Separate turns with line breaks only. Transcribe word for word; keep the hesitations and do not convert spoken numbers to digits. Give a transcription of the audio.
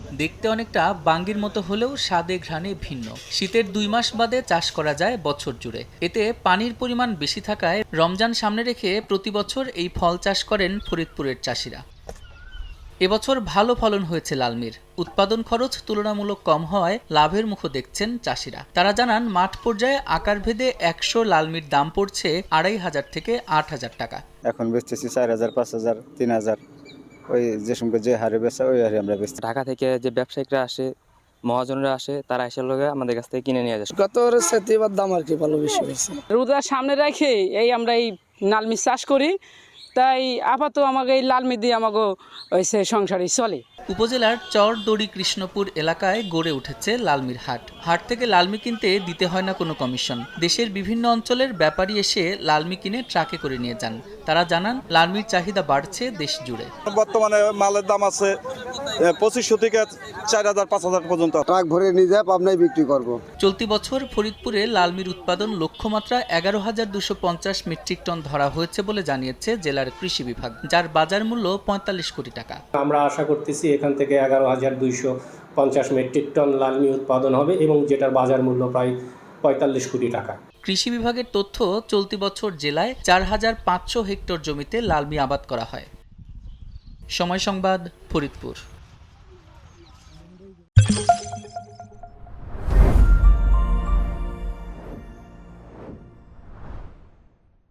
দেখতে অনেকটা বাঙ্গির মতো হলেও স্বাদে ঘ্রাণে ভিন্ন। শীতের দুই মাস বাদে চাষ করা যায় বছর জুড়ে। এতে পানির পরিমাণ বেশি থাকায় রমজান সামনে রেখে প্রতি বছর এই ফল চাষ করেন ফরিদপুরের চাষিরা। এবছর ভালো ফলন হয়েছে লালমির। উৎপাদন খরচ তুলনামূলক কম হওয়ায় লাভের মুখও দেখছেন চাষিরা। তারা জানান, মাঠ পর্যায়ে আকার ভেদে একশো লালমির দাম পড়ছে আড়াই হাজার থেকে আট হাজার টাকা।
এখন বেচতেছি চার হাজার, পাঁচ হাজার, তিন হাজার, ওই যে সঙ্গে যে হারে বেচা ওই হারে আমরা বেচছি।
ঢাকা থেকে যে ব্যবসায়িকরা আসে, মহাজনরা আসে, তারা এসে লোকে আমাদের কাছ থেকে কিনে নিয়ে যায়।
গত সাথে এবার দাম আর কি ভালো বেশি হয়েছে।
রোজার সামনে রেখে এই আমরা এই লালমি চাষ করি, তাই আপাতত আমাকে এই লালমি দিয়ে আমাকে হয়েছে সংসারই চলে।
উপজেলার চরদড়ি কৃষ্ণপুর এলাকায় গড়ে উঠেছে লালমির হাট। হাট থেকে লালমি কিনতে দিতে হয় না কোনো কমিশন। দেশের বিভিন্ন অঞ্চলের ব্যাপারী এসে লালমি কিনে ট্রাকে করে নিয়ে যান। তারা জানান, লালমির চাহিদা বাড়ছে দেশ জুড়ে।
বর্তমানে মালের দাম আছে পঁচিশশো থেকে চার হাজার পাঁচ হাজার পর্যন্ত।
ট্রাক ভরে নিয়ে যায় পাবনায় বিক্রি করব।
চলতি বছর ফরিদপুরে লালমির উৎপাদন লক্ষ্যমাত্রা এগারো হাজার দুশো পঞ্চাশ মেট্রিক টন ধরা হয়েছে বলে জানিয়েছে জেলার কৃষি বিভাগ, যার বাজার মূল্য পঁয়তাল্লিশ কোটি টাকা।
আমরা আশা করতেছি এখান থেকে এগারো হাজার দুইশো পঞ্চাশ মেট্রিক টন লালমি উৎপাদন হবে এবং যেটার বাজার মূল্য প্রায় পঁয়তাল্লিশ কোটি টাকা।
কৃষি বিভাগের তথ্য, চলতি বছর জেলায় চার হাজার পাঁচশো হেক্টর জমিতে লালমি আবাদ করা হয়। সময় সংবাদ, ফরিদপুর।